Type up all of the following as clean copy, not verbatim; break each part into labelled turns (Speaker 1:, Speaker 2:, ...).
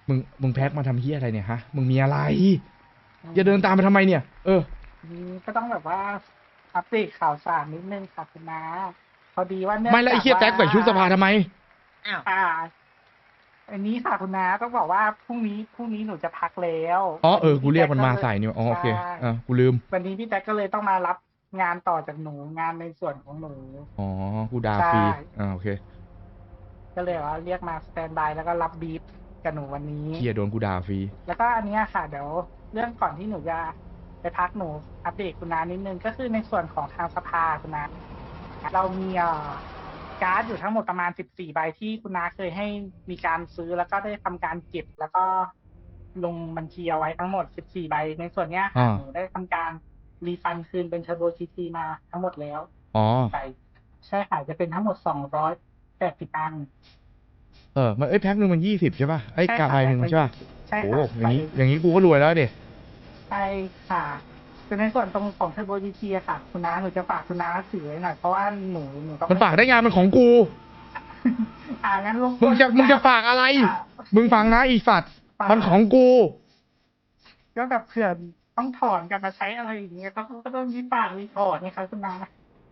Speaker 1: มึงแพ็คมาทำเฮียอะไรเนี่ยฮะมึงมีอะไรจะเดินตามไปทำไมเนี่ย
Speaker 2: ก็ต้องแบบว่าอัปเดตข่าวสารนิดนึงค่ะคุณน้าพอดีว่าเนื่อง
Speaker 1: ไม่แล้วไอ้เฮียแจ็คใส่ชุดสภาทำไม
Speaker 3: อ้าว
Speaker 2: อันนี้ค่ะคุณน้าต้องบอกว่าพรุ่งนี้หนูจะพักแล้ว
Speaker 1: กูเรียกมันมาใส่เนี่ยโอเคกูลืม
Speaker 2: วันนี้พี่แจ็คก็เลยต้องมารับงานต่อจากหนูงานในส่วนของหนู
Speaker 1: กูด่าฟรีโอเค
Speaker 2: ก็เลยว่าเรียกมาสแตนบายแล้วก็รับบีฟกับหนูวันนี้
Speaker 1: เฮียโดนกูด่าฟรี
Speaker 2: แล้วก็อันนี้ค่ะเดี๋ยวเรื่องก่อนที่หนูจะไปพักหนูอัปเดตคุณน้านิดนึงก็คือในส่วนของทางสภาคุณน้าเรามีการ์ดอยู่ทั้งหมดประมาณ14 ใบที่คุณน้าเคยให้มีการซื้อแล้วก็ได้ทำการเก็บแล้วก็ลงบัญชีเอาไว้ทั้งหมด14 ใบในส่วนเนี้ยค่ะหนูได้ทำการรีฟันคืนเป็นเทอร์โบจีทีมาทั้งหมดแล้วใช่ใช่ค่ะจะเป็นทั้งหมด280 อัน
Speaker 1: มันแพ็คหนึ่งมัน20ใช่ป่ะกาใบหนึ่งใช่ป่ะ
Speaker 2: ใช่
Speaker 1: โอ้
Speaker 2: ค่ะ
Speaker 1: อย่างนี้กูก็รวยแล้วเด็
Speaker 2: ใช่ค่ะคือในส่วนตรงของเทอร์โบจีทีค่ะคุณน้าหนูจะฝากคุณน้าถือไว้หน่อยเพราะว่าหนูต้อง
Speaker 1: มันฝากได้งานมันของกู
Speaker 2: งั้น
Speaker 1: มึงจะฝากอะไรมึงฟังนะอีสัตว์มันของกู
Speaker 2: ก็แบบเผื่อต้องถอนกันมาใช้อะไรอย่างเงี้ยก็ต้องมีฝากมีถอนนี่ครับคุณน้า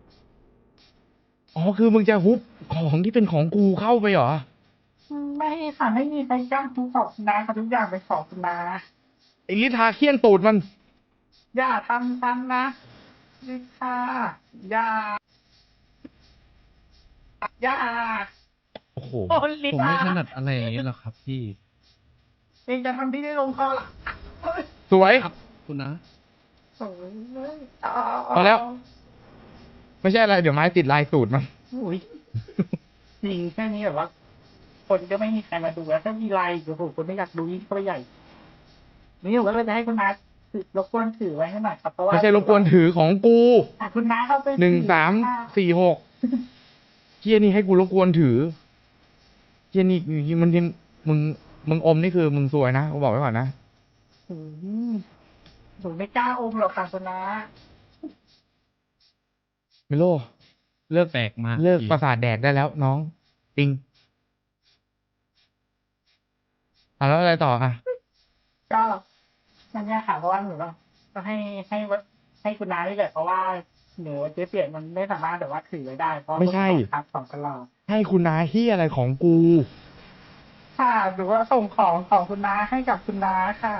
Speaker 1: คือมึงจะฮุบของที่เป็นของกูเข้าไปเหรอ
Speaker 2: ไม่ค่ะไม่มีใครจ้างทุกของคุณน้าค่ะทุกอย่างเป็นของคุณน้า
Speaker 1: ไอ้ลิทาเคี่ยนตูดมัน
Speaker 2: อย่าทำซ้ำนะลิซ่าอย่า
Speaker 1: โอ้โห
Speaker 3: ผมไม่ถนัดอะไรอย่างนี้หรอกครับพี่
Speaker 2: เองจะทำที่ได้ลงคอละ
Speaker 1: สวย
Speaker 3: ครับคุณนะ
Speaker 1: พอแล้วไม่ใช่อะไรเดี๋ยวไม้ติดลายสูตรมัน
Speaker 2: จริงแค่นี้แบบว่าคนก็ไม่มีใครมาดูแล้วถ้ามีลายโอ้โหคนไม่อยากดูยิ่งเข้าไปใหญ่นี่ผมก็เลยจะให้คุณน้ารบกวนถือไว้ให้หน่อยครับเพราะว่า
Speaker 1: ไม่ใช่รบกวนถือของกู
Speaker 2: คุณน้าเข้าไป
Speaker 1: 1346เฮียนี่ให้กูรบกวนถือเฮียนี่มึงอมนี่คือมึงสวยนะกูบอกไว้ก่อนนะ
Speaker 2: หนูไม่กล้าอมหรอกค่ะคุณน้า
Speaker 1: มิโลเลิก
Speaker 3: แปลกมาก
Speaker 1: เลิกประสาทแดกได้แล้วน้องจริงแล้วอะไรต่อ
Speaker 2: ก็นั่นแหละค่ะเพราะว่าหนูก็ให้คุณน้าด้วยแหละเพราะว่าหนูเจ๊เปียกมันไม่สามารถแบบว่าถือไว้ได้เพราะ
Speaker 1: ไม่ใช่
Speaker 2: ครับของตลอด
Speaker 1: ให้คุณน้าที่อะไรของกู
Speaker 2: ค่ะหรือว่าส่งของคุณน้าให้กับคุณน้าค่ะ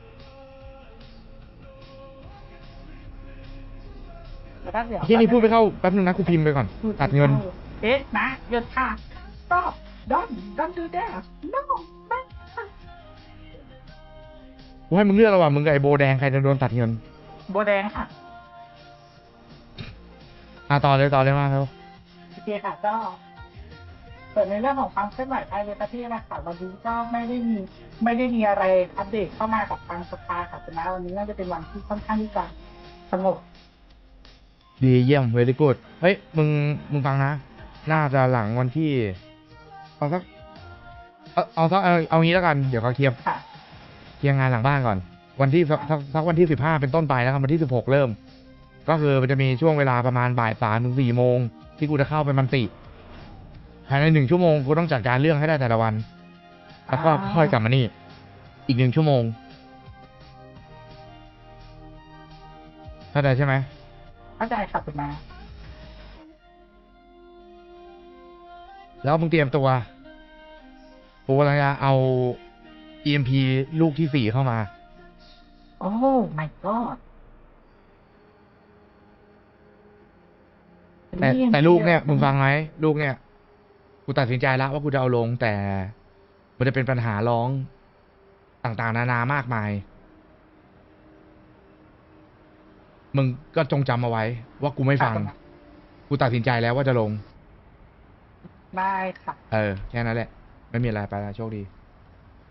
Speaker 1: ที่นี่พูดไปเข้าแป๊บนึงนะกูพิมพ์ไปก่อนตัดเงิน
Speaker 2: นะเงินค่ะ stop don't do that no
Speaker 1: กูให้มึงเลือกระหว่างมึงกับไอ้โบแดงใครจะโดนตัดเงิน
Speaker 2: โบแดงค่ะ
Speaker 1: ต่อเลยมาครับ
Speaker 2: โอเคค่ะก็ส่วนในเรื่องของความเคลื่อนไหวภายในประเทศนะคะวันนี้ก็ไม่ได้มีอะไรอัปเดตเข้ามากับทางสภาค่ะนะวันนี้น่าจะเป็นวันที่ค่อนข้างที่จะสงบ
Speaker 1: ดีเยี่ยม very good เฮ้ยมึงฟังนะน่าจะหลังวันที่เอางี้แล้วกันเดี๋ยวเขาเคลียร์งานหลังบ้านก่อนวันที่สักวันที่15เป็นต้นไปแล้วกันวันที่16เริ่มก็คือมันจะมีช่วงเวลาประมาณบ่าย3 ถึง 4 โมงที่กูจะเข้าไปมันติภายใน1 ชั่วโมงกูต้องจัดการเรื่องให้ได้แต่ละวันแล้วก็ค่อยกลับมานี่อีก1 ชั่วโมงเข้าใจใช่ไหม
Speaker 2: เข้าใจครับคุณมา
Speaker 1: แล้วมึงเตรียมตัวกูกำลังจะเอา EMP ลูกที่4เข้ามา
Speaker 2: โอ้ my god
Speaker 1: แต่ลูกเนี่ยมึงฟังไหมลูกเนี่ยกูตัดสินใจแล้วว่ากูจะเอาลงแต่มันจะเป็นปัญหาร้องต่างๆนานามากมายมึงก็จงจำเอาไว้ว่ากูไม่ฟังกูตัดสินใจแล้วว่าจะลง
Speaker 2: ได้ค่ะ
Speaker 1: แค่นั้นแหละไม่มีอะไรไปแล้วโชคดี